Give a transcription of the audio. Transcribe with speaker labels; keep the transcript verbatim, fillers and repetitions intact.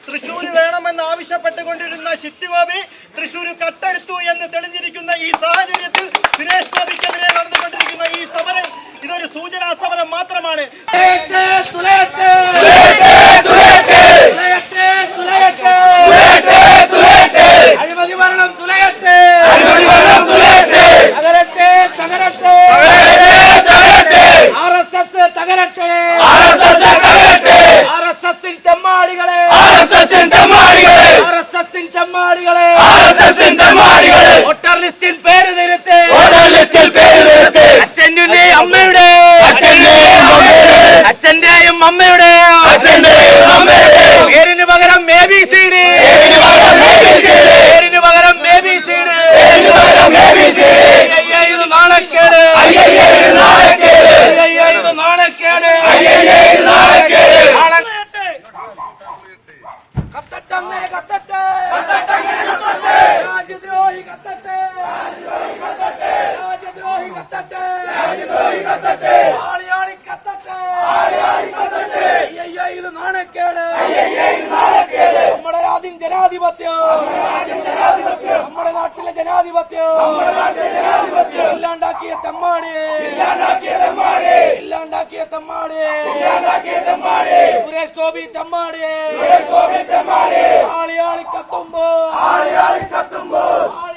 Speaker 1: തൃശ്ശൂർ വേണമെന്ന് ആവശ്യപ്പെട്ടുകൊണ്ടിരുന്ന ഷിറ്റി ഗോപി തൃശ്ശൂർ കട്ടെടുത്തു എന്ന് തെളിഞ്ഞിരിക്കുന്ന ഈ സാഹചര്യത്തിൽ സുരേഷ് ഗോപിക്കെതിരെ നടന്നുകൊണ്ടിരിക്കുന്ന ഈ സമരം ഇതൊരു സൂചനാ സമരം മാത്രമാണ്.
Speaker 2: അഴിമതി ഭരണം തുലയട്ടെ, തകരട്ടെ തകരട്ടെ, ആർ എസ് എസ് തകരട്ടെ, ആർ എസ് എസിൻ തെമ്മാടികളെ, ആർ എസ് എസിൻ തെമ്മാടികളെ, വോട്ടർ ലിസ്റ്റിൽ പേര് തിരുത്ത്, അച്ഛന്റെയും അമ്മയുടെ, അച്ഛന്റെയും അമ്മയുടെ പേരിന് പകരം എ ബി സി ഡി, പേരിന് പകരം എ ബി സി ഡി. ഇത് നാണക്കേട്, ഇത് നാണക്കേട്. കത്തട്ടമ്മേ കത്തട്ടെ, രാജ്യദ്രോഹി കത്തട്ടെ, രാജ്യദ്രോഹി കത്തട്ടെ, ആളിയാളി കത്തട്ടെ, ഇത് നാണക്കേട്. നമ്മുടെ രാജ്യം ജനാധിപത്യം, നമ്മുടെ നാട്ടിലെ ജനാധിപത്യം ഇല്ലാണ്ടാക്കിയ തെമ്മാടിയെ, ഇല്ലാണ്ടാക്കിയ തെമ്മാടിയെ, സുരേഷ് ഗോപി തെമ്മാടിയെ, ആളിയാളി കത്തുമ്പോ, ആളിയാളി കത്തുമ്പോ